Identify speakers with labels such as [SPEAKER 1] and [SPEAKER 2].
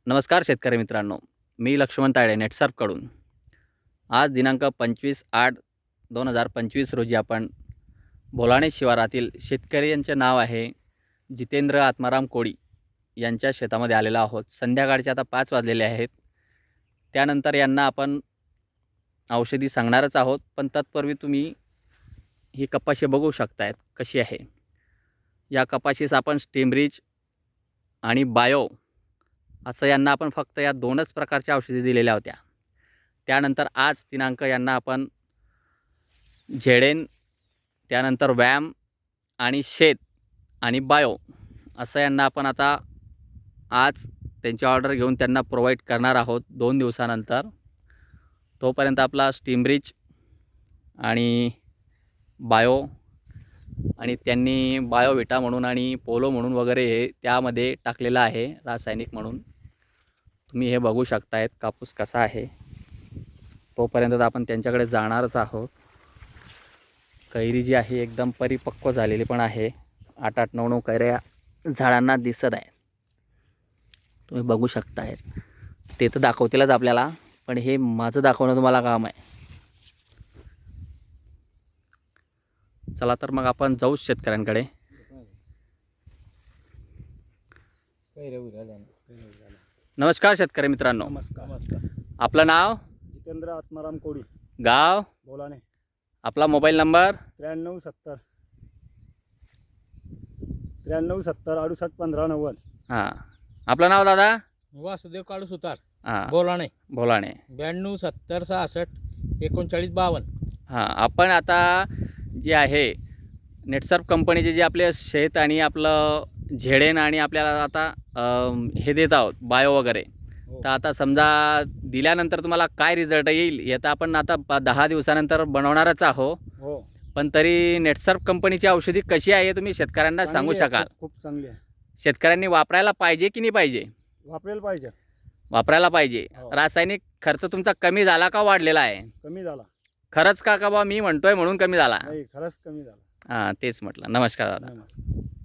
[SPEAKER 1] नमस्कार शेतकरी मित्रांनो, मी लक्ष्मण तायडे नेटसर्फकडून. आज दिनांक 25/8/2025 रोजी आपण बोलाणे शिवारातील शेतकरी यांचे नाव आहे जितेंद्र आत्माराम कोळी यांच्या शेतामध्ये आलेलो आहोत. संध्याकाळचे आता 5 वाजलेले आहेत. त्यानंतर यांना आपण औषधी सांगणारच आहोत, पण तत्पूर्वी तुम्ही ही कपाशी बघू शकतायत कशी आहे. या कपाशीस आपण स्टीमरीच आणि बायो असं यांना आपण फक्त या 2च प्रकारच्या औषधी दिलेल्या होत्या. त्यानंतर आज दिनांक यांना आपण झेडेन, त्यानंतर वॅम आणि शेत आणि बायो असं यांना आपण आता आज त्यांची ऑर्डर घेऊन त्यांना प्रोव्हाइड करणार आहोत 2 दिवसानंतर. तोपर्यंत आपला स्टीमरीच आणि बायो आणि त्यांनी बायोविटा म्हणून आणि पोलो म्हणून वगैरे हे त्यामध्ये टाकलेलं आहे रासायनिक म्हणून. तुम्ही हे बघू शकतायत कापूस कसा आहे. तोपर्यंत आपण त्यांच्याकडे जाणारच आहोत. कैरी जी आहे एकदम परिपक्व झालेली पण आहे. 8-8, 9-9 कैऱ्या झाडांना दिसत आहे. तुम्ही बघू शकतायत. ते तर दाखवतीलच आपल्याला, पण हे माझं दाखवणं तुम्हाला काम आहे. चला तर मग आपण जाऊ शेतकऱ्यांकडे. नमस्कार शेतकरी मित्रांनो,
[SPEAKER 2] नमस्कार.
[SPEAKER 1] आपलं नाव?
[SPEAKER 2] जितेंद्र आत्माराम कोळी,
[SPEAKER 1] गाव?
[SPEAKER 2] बोलाणे.
[SPEAKER 1] आपला मोबाईल नंबर?
[SPEAKER 2] 9370 681590.
[SPEAKER 1] हां, आपलं नाव दादा?
[SPEAKER 3] वासुदेव काळू सुतार,
[SPEAKER 1] हां,
[SPEAKER 3] बोलाणे.
[SPEAKER 1] बोलाणे.
[SPEAKER 3] 92 70 66 39 52.
[SPEAKER 1] हां, आपण आता जे आहे नेटसर्फ कंपनीचे जे आपले शेत आणि आपलं झेडेन आणि आपल्याला आता हे देत आहोत बायो वगैरे.
[SPEAKER 2] हो.
[SPEAKER 1] तर आता समजा दिल्यानंतर तुम्हाला काय रिझल्ट येईल हे तर आपण आता 10 दिवसानंतर बनवणारच आहोत.
[SPEAKER 2] हो,
[SPEAKER 1] पण तरी नेटसर्फ कंपनीची औषधी कशी आहे हे तुम्ही शेतकऱ्यांना सांगू
[SPEAKER 2] चांगली आहे,
[SPEAKER 1] शकाल?
[SPEAKER 2] खूप चांगली आहे.
[SPEAKER 1] शेतकऱ्यांनी वापरायला पाहिजे की नाही पाहिजे?
[SPEAKER 2] वापरायला पाहिजे.
[SPEAKER 1] वापरायला पाहिजे.
[SPEAKER 2] हो.
[SPEAKER 1] रासायनिक खर्च तुमचा कमी झाला का वाढलेला आहे?
[SPEAKER 2] कमी झाला.
[SPEAKER 1] खरंच का बा मी म्हणतोय म्हणून कमी झाला?
[SPEAKER 2] नाही, खरंच कमी झाला.
[SPEAKER 1] हां, तेच म्हटलं. नमस्कार दादा.
[SPEAKER 2] नमस्कार.